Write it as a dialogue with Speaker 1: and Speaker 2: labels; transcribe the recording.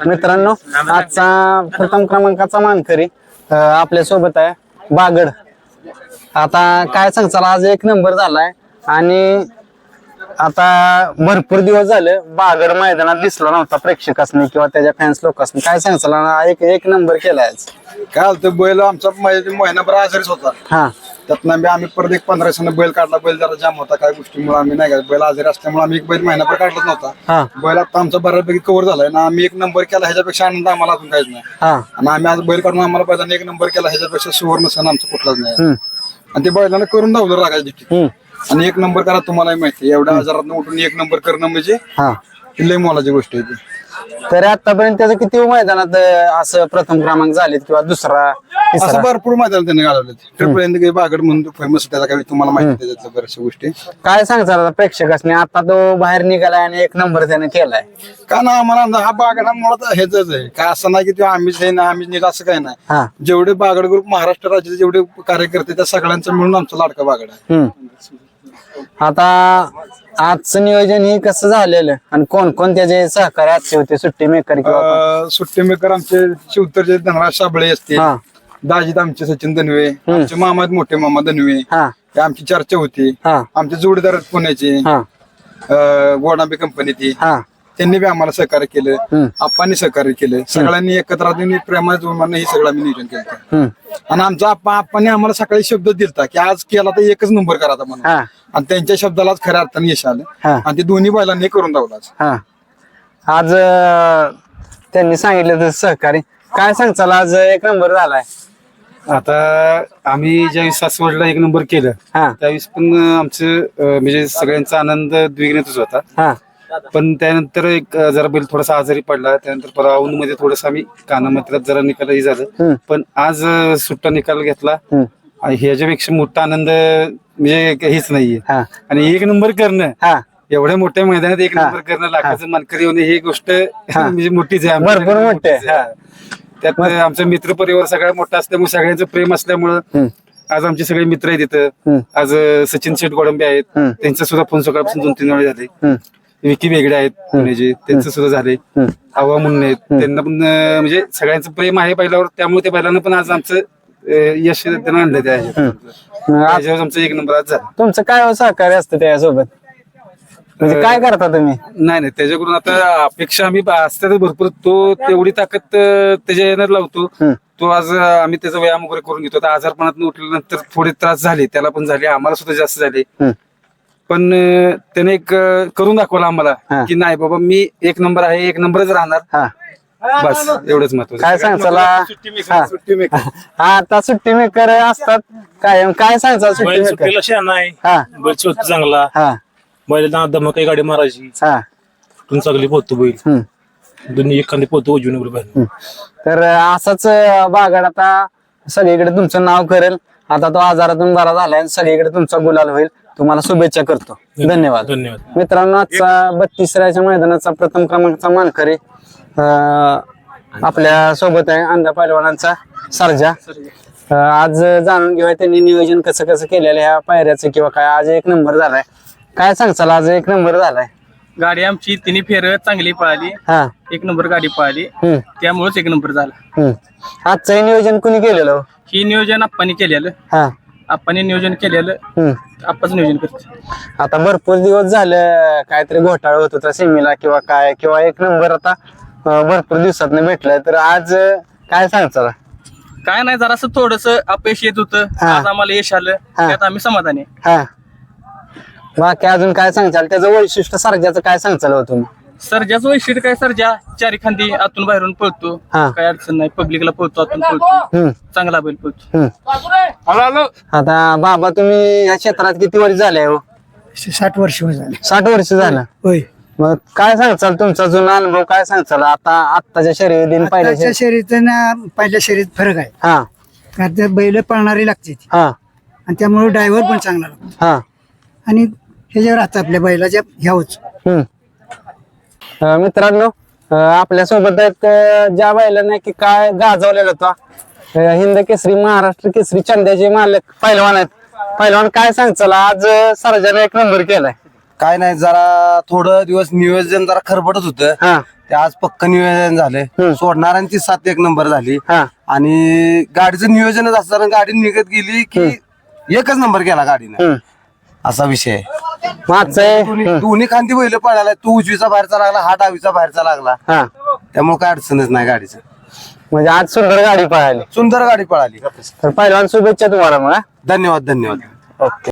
Speaker 1: मित्रांनो, आजचा प्रथम क्रमांकाचा मानकरी आपल्या सोबत आहे बागड. आता काय सांगचाल, आज एक नंबर झालाय आणि आता भरपूर दिवस झाले बागड मैदानात दिसला नव्हता प्रेक्षकांनी किंवा त्याच्या फॅन्स लोकांनी. काय सांगचाल, एक नंबर केलाय आज.
Speaker 2: काय होतं, बैल आमचा महिनाभर आजारीच होता.
Speaker 1: हा,
Speaker 2: त्यातनं आम्ही परत एक 15 दिवसांना बैल काढला. बैल जरा जाम होता, काय गोष्टीमुळे आम्ही नाही का, बैल आजारी असल्यामुळे आम्ही एक बैल महिनाभर काढलाच नव्हता.
Speaker 1: हा,
Speaker 2: बैल आता आमचा बऱ्यापैकी कव्हर झालाय ना. आम्ही एक नंबर केला, ह्याच्यापेक्षा आनंद आम्हाला अजून काहीच नाही.
Speaker 1: हा,
Speaker 2: आणि आम्ही आज बैल काढून आम्हाला बैलांना एक नंबर केला, ह्याच्यापेक्षा सुवर्ण सण आमचा कुठलाच नाही.
Speaker 1: हम्म,
Speaker 2: आणि ते बैलांना करून धावलं रागायची.
Speaker 1: हम्म,
Speaker 2: आणि एक नंबर करा, तुम्हाला माहिती एवढ्या आजारात उठून एक नंबर करणं म्हणजे
Speaker 1: हा.
Speaker 2: लय मोलाची गोष्ट आहे ती.
Speaker 1: तर आतापर्यंत त्याचं किती मैदानात असं प्रथम क्रमांक झालेत किंवा दुसरा
Speaker 2: असं
Speaker 1: तिसरा?
Speaker 2: भरपूर मैदान त्यांनी घालवले. ट्रिपल बागड म्हणून फेमस त्याला काही तुम्हाला माहिती आहे त्याच्यातल्या बऱ्याचशा गोष्टी.
Speaker 1: काय सांगचाल प्रेक्षकांनी, आता तो बाहेर निघालाय आणि एक नंबर त्याने केलाय?
Speaker 2: का ना, आम्हाला हा बागड हा मुळात ह्याच आहे. काय असं नाही की ते आम्हीच आहे ना आम्हीच निघा, असं काही नाही.
Speaker 1: हा,
Speaker 2: जेवढे बागड ग्रुप महाराष्ट्र राज्याचे जेवढे कार्यकर्ते त्या सगळ्यांचं मिळून आमचा लाडका बागड आहे.
Speaker 1: आता आजचं नियोजन हे कसं झालेलं आणि कोण कोण त्याचे सहकारी आजचे होते, सुट्टी मेकर किंवा
Speaker 2: सुट्टी मेकर आमचे शिवतरचे धनराज साबळे असते,
Speaker 1: हा,
Speaker 2: दाजीत आमचे सचिन दनवे, आमचे मामा आहेत मोठे मामा दनवे,
Speaker 1: हा,
Speaker 2: हे आमची चर्चा होती.
Speaker 1: हा,
Speaker 2: आमचे जोडीदार आहेत पुण्याचे,
Speaker 1: हा,
Speaker 2: गोडांबे कंपनी ती,
Speaker 1: हा,
Speaker 2: त्यांनी बी आम्हाला सहकार्य केलं. आप्पांनी सहकार्य केलं. सगळ्यांनी एकत्र राहून प्रेमाने जोडून हे सगळं आम्ही नियोजन केलं. आणि आमचा आप्पांनी आम्हाला सकाळी शब्द दिलता की आज केला तर एकच नंबर करायचा म्हणून.
Speaker 1: हा,
Speaker 2: आणि त्यांच्या शब्दालाच खऱ्या अर्थाने यश आलं.
Speaker 1: हा.
Speaker 2: आणि ते दोन्ही बैलांनी करून धावलाच.
Speaker 1: हा. आज त्यांनी सांगितलं तसं सहकारी. काय सांगचाल, आज एक नंबर झालाय?
Speaker 3: आता आम्ही ज्यावेळेस सासवडला एक नंबर केलं
Speaker 1: हा,
Speaker 3: त्यावेळेस पण आमचं म्हणजे सगळ्यांचा आनंद द्विगुणितच होता.
Speaker 1: हा,
Speaker 3: पण त्यानंतर एक जरा बैल थोडासा आजारी पडला. त्यानंतर परवा औंध मध्ये थोडस आम्ही कानामात्रात जरा निकालही झालं. पण आज सुट्टा निकाल घेतला आणि ह्याच्यापेक्षा मोठा आनंद म्हणजे हेच नाहीये.
Speaker 1: हा,
Speaker 3: आणि एक नंबर करणं,
Speaker 1: हा.
Speaker 3: एवढ्या मोठ्या मैदानात एक नंबर करणं, लाखाचं मानकरी होणे ही गोष्ट म्हणजे मोठीच आहे.
Speaker 1: भरपूर मोठी आहे.
Speaker 3: मोठीच आहे. त्यात आमचा मित्र परिवार सगळ्यात मोठा असल्यामुळे सगळ्यांचं प्रेम असल्यामुळं आज आमचे सगळे मित्र आहेत तिथं. आज सचिन शेठ गोडंबे आहेत, त्यांचा सुद्धा फोन सकाळपासून 2-3 वेळा झाले. विकी वेगळे आहेत पुण्याचे, त्यांचं सुद्धा झाले. आव्हा म्हणून आहेत, त्यांना पण म्हणजे सगळ्यांचं प्रेम आहे पहिल्यावर. त्यामुळे त्या बैलांना पण आज आमचं यश त्यांना आणलं. त्याच्यावर आमचा एक नंबर आज झाला.
Speaker 1: तुमचं काय सहकार्य असतं त्यासोबत, म्हणजे काय करता तुम्ही?
Speaker 3: नाही त्याच्याकडून आता अपेक्षा आम्ही असतात भरपूर. तो तेवढी ताकद त्याच्या येणार लावतो. तो आज आम्ही त्याचा व्यायाम वगैरे करून घेतो. आता आजारपणात उठल्यानंतर थोडे त्रास झाले, त्याला पण झाले, आम्हाला सुद्धा जास्त झाले. पण त्याने एक करून दाखवलं आम्हाला की नाही बाबा, मी एक नंबर आहे, एक नंबरच राहणार.
Speaker 1: हा,
Speaker 3: बस एवढंच महत्वाचं.
Speaker 1: काय सांगचाल? आता सुट्टी मेकर असतात कायम. काय सांगचाल सुट्टी मेकर?
Speaker 4: सुट्टीला शहाणा आहे,
Speaker 1: हा,
Speaker 4: बैल स्वतः चांगला,
Speaker 1: हा,
Speaker 4: बैलांना दमकाई गाडी मारायची,
Speaker 1: हा.
Speaker 4: तुम चांगली पोहतो बैल, दोन्ही एखादी पोहतो उजवीन बैल.
Speaker 1: तर असाच बागड आता सगळीकडे तुमचं नाव करेल. आता तो आजारातून बरा झालाय, सगळीकडे तुमचा गुलाल होईल. तुम्हाला शुभेच्छा करतो. धन्यवाद.
Speaker 4: धन्यवाद.
Speaker 1: मित्रांनो, आजचा 32राच्या मैदानाचा प्रथम क्रमांकाचा मानकरी आपल्या सोबत आहे अंधा पैलवानांचा सर्जा. आज जाणून घेऊया त्यांनी नियोजन कसं कसं केलेलं ह्या पायऱ्याचं किंवा काय. आज एक नंबर झालाय. काय सांगचाल, आज एक नंबर झालाय?
Speaker 5: गाडी आमची तिन्ही फेर चांगली पळाली,
Speaker 1: हा,
Speaker 5: एक नंबर गाडी पळाली, त्यामुळेच एक नंबर झाला.
Speaker 1: आजचं नियोजन कुणी केलेलं?
Speaker 5: ही नियोजन आप्पांनी केलेलं.
Speaker 1: हा,
Speaker 5: आप्पांनी नियोजन केलेलं, आप्पाच नियोजन करते.
Speaker 1: आता भरपूर दिवस झाले काहीतरी घोटाळा होत होता सेमीला किंवा काय, किंवा एक नंबर आता भरपूर दिवसात भेटलाय. तर आज काय सांगचाल?
Speaker 5: काय नाही, जरासं थोडस अपयश येत होतं. आज आम्हाला यश आलं, त्यात आम्ही समाधानी आहे.
Speaker 1: हा, बाकी अजून काय सांगचाल? त्याचं वैशिष्ट्य सर्जाचं काय सांगचाल हो तुम्ही?
Speaker 5: सर्जाचं वैशिष्ट्य काय, सर्जा चारी खांदी आतून बाहेरून पळतो,
Speaker 1: हा.
Speaker 5: काय अडचण नाही. पब्लिकला पळतो, आतून पळतो, चांगला बैल पळतो.
Speaker 1: आता बाबा, तुम्ही या क्षेत्रात किती वर्ष झाले हो?
Speaker 6: 60 वर्ष झाले.
Speaker 1: 60 वर्ष झालं.
Speaker 6: होय.
Speaker 1: मग काय सांगचाल, तुमचा जुना अनुभव काय सांगचाल? आत्ताच्या शर्यती दिन
Speaker 6: आताच्या
Speaker 1: पहिल्या
Speaker 6: शर्यत ना पहिल्या शर्यत फरक आहे.
Speaker 1: हा,
Speaker 6: कारण त्या बैल पळणारी लागते ती.
Speaker 1: हा,
Speaker 6: आणि त्यामुळे ड्रायव्हर पण चांगला लागतो.
Speaker 1: हा.
Speaker 6: आणि ह्याच्यावर आता आपल्या बैलाच्या ह्यावच.
Speaker 1: मित्रांनो, आपल्या सोबत आहेत ज्या बैलांना की काय गाजवलेला होता, हिंद केसरी, महाराष्ट्र केसरी, चंद्याचे मालक पैलवान आहेत. पैलवान, काय सांगचाल? आज सर्जाने एक नंबर केलाय.
Speaker 7: काय नाही जरा थोडं दिवस नियोजन जरा खरबडत होतं
Speaker 1: हा
Speaker 7: ते आज पक्क नियोजन झालंय सोडणाऱ्यांची 7 एक नंबर झाली
Speaker 1: हा
Speaker 7: आणि गाडीचं नियोजनच असताना गाडी निघत गेली की एकच नंबर केला गाडीनं असा विषय आहे.
Speaker 1: मागचं
Speaker 7: दोन्ही खांदी बैल पळाला तू उजवीचा बाहेरचा लागला हा डावीचा बाहेरचा लागला
Speaker 1: हा
Speaker 7: त्यामुळे काय अडचणच नाही गाडीचं
Speaker 1: म्हणजे आज सुंदर गाडी पळाली.
Speaker 7: सुंदर गाडी पळाली
Speaker 1: तर पहिलवान शुभेच्छा तुम्हाला मग.
Speaker 7: धन्यवाद धन्यवाद.
Speaker 1: ओके.